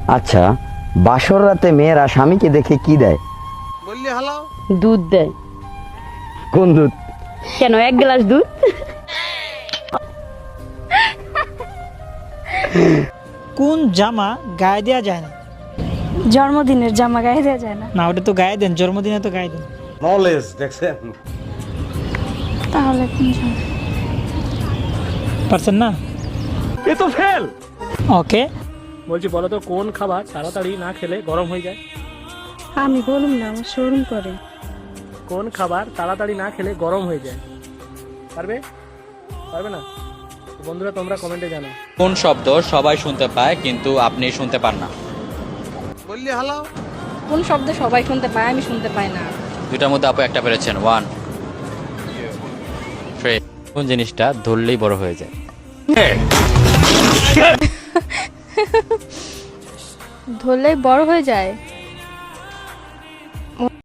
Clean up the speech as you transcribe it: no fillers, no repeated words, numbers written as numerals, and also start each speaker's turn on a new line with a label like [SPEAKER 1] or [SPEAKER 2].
[SPEAKER 1] আচ্ছা, বাসর রাতে মেয়েরা স্বামীকে দেখে কি দেয়?
[SPEAKER 2] বললি হালাও।
[SPEAKER 3] দুধ দেয়।
[SPEAKER 1] কোন দুধ?
[SPEAKER 3] কেন, 1 গ্লাস দুধ?
[SPEAKER 4] কোন জামা গায়ে দেওয়া যায় না?
[SPEAKER 5] জন্মদিনের জামা গায়ে দেওয়া যায় না।
[SPEAKER 4] না, ওটা তো গায়ে দেন, জন্মদিনে তো গায়ে দেন।
[SPEAKER 2] নলেজ দেখছেন?
[SPEAKER 5] তাহলে কোন জামা?
[SPEAKER 4] পারছেন না?
[SPEAKER 6] এ তো ফেল।
[SPEAKER 4] ওকে,
[SPEAKER 6] বলছি বলো তো, কোন খাবার তাড়াতাড়ি না খেলে গরম হয়ে যায়?
[SPEAKER 5] আমি বলুম না, আমার শোরুম করে।
[SPEAKER 6] কোন খাবার তাড়াতাড়ি না খেলে গরম হয়ে যায়? পারবে? পারবে না? তো বন্ধুরা, তোমরা কমেন্টে জানাও।
[SPEAKER 7] কোন শব্দ সবাই শুনতে পায় কিন্তু আপনি শুনতে পান না?
[SPEAKER 2] বললি হালাও।
[SPEAKER 3] কোন শব্দ সবাই শুনতে পায়, আমি শুনতে পাই না?
[SPEAKER 7] দুটার মধ্যে আপু একটা পেরেছেন। 1 3। কোন জিনিসটা ধরলেই বড় হয়ে যায়?
[SPEAKER 5] ধরলেই বড় হয়ে যায়।